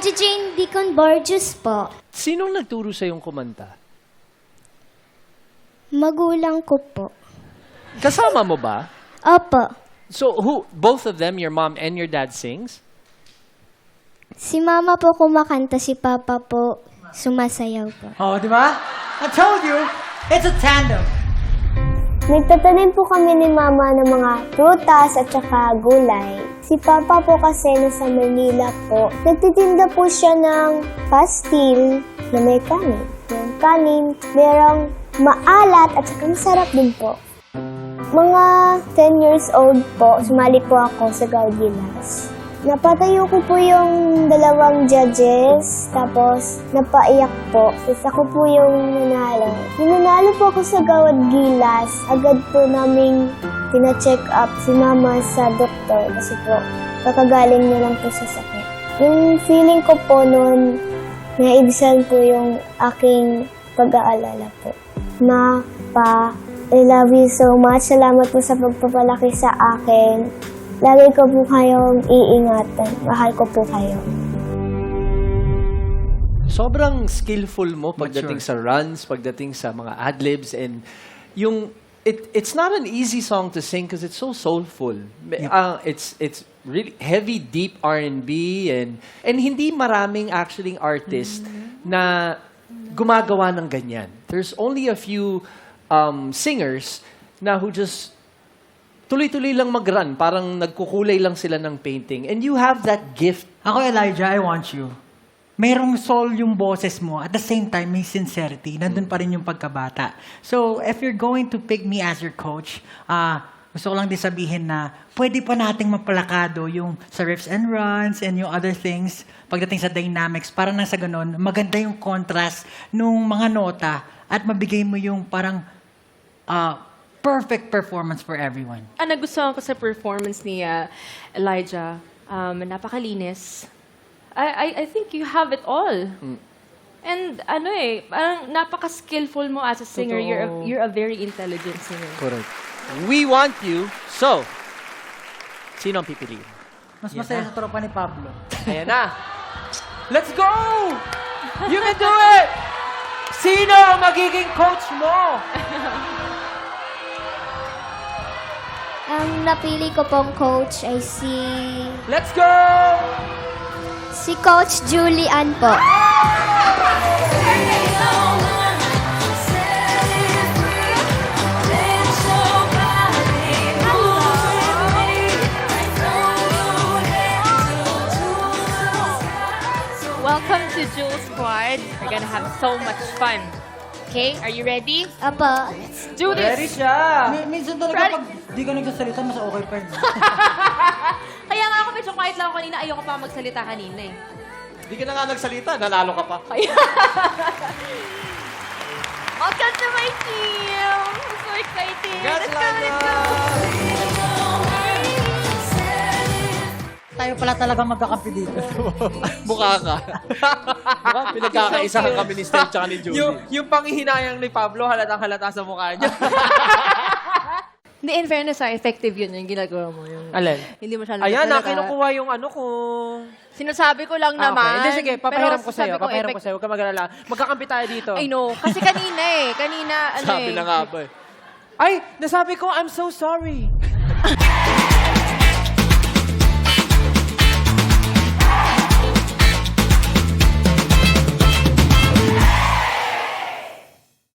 Si Jane Deacon Borges po. Sinong nagturo sa yung kumanta? Magulang ko po. Kasama mo ba? Opo. So, both of them, your mom and your dad sings? Si Mama po kumakanta, si Papa po sumasayaw po. Oh, di ba? I told you, it's a tandem. Nagtatanim po kami ni Mama ng mga prutas at saka gulay. Si Papa po kasi nasa Manila po. Nagtitinda po siya ng pastil na may kanin. Yung kanin, merong maalat at saka masarap din po. Mga 10 years old po, sumali po ako sa Gaudilas. Napatayo ko po yung dalawang judges, tapos napaiyak po. Tapos ako po yung nanalo. Nung nanalo po ako sa Gawad Gilas, agad po naming tina-check up si Mama sa doktor kasi po kakagaling niya lang po sa sakit. Yung feeling ko po noon, naibisan po yung aking pag-aalala po. Ma, Pa, I love you so much. Salamat po sa pagpapalaki sa akin. Lagi ko po kayong iingatan. Mahal ko po kayo. Sobrang skillful mo pagdating sa runs, pagdating sa mga adlibs, and yung it's not an easy song to sing because it's so soulful. It's really heavy, deep R&B, and hindi maraming actually artist na gumagawa ng ganyan. There's only a few singers na who just tuloy-tuloy lang mag-run, parang nagkukulay lang sila ng painting. And you have that gift. Ako, Elijah, I want you. Merong soul yung boses mo. At the same time, may sincerity. Nandun pa rin yung pagkabata. So, if you're going to pick me as your coach, gusto ko lang din sabihin na pwede pa nating mapalakado yung sa riffs and runs and yung other things pagdating sa dynamics. Para nang sa ganun, maganda yung contrast nung mga nota at mabigay mo yung parang perfect performance for everyone. Ang nagustuhan ko sa performance ni Elijah, napakalinis. I think you have it all. And parang napaka-skillful mo as a singer. You're a very intelligent singer. Correct. We want you. So, sino ang pipiliin? Mas masaya sa tropa ni Pablo. Ayan na. Let's go! You can do it! Sino ang magiging coach mo? Ang napili ko pong coach ay Let's go! si Coach Julian po. Welcome to Jules Squad. We're gonna have so much fun. Okay, are you ready? Apo. Do Ready this! siya! Minsan talaga pag di ka nagsasalita, mas okay pa rin. Kaya nga ako medyo quiet lang ako kanina. Ayoko pa magsalita kanina eh. Hindi ka na nga nagsalita, nanalo ka pa. Welcome to my team! I'm so excited! Let's go, let's go! Tayo pala talaga magkakampi dito. Mukha ka. Mukhang pinagkakaisahan kami ni Steph tsaka ni Julie. Yung panghihinayang ni Pablo, halatang-halata sa mukha niya. Hindi, in fairness, effective yun yung ginagawa mo. Yung, Alin? Hindi masyadong Ayan, talaga. kinukuha yung ano kung... Sinasabi ko lang naman. Hindi, sige, papahiram Pero ko sa'yo. sabi Papahiram ko sa'yo. Huwag ka mag-alala. Magkakampi tayo dito. I know. Kasi kanina Sabi na nga ba eh. Ay, nasabi ko, I'm so sorry.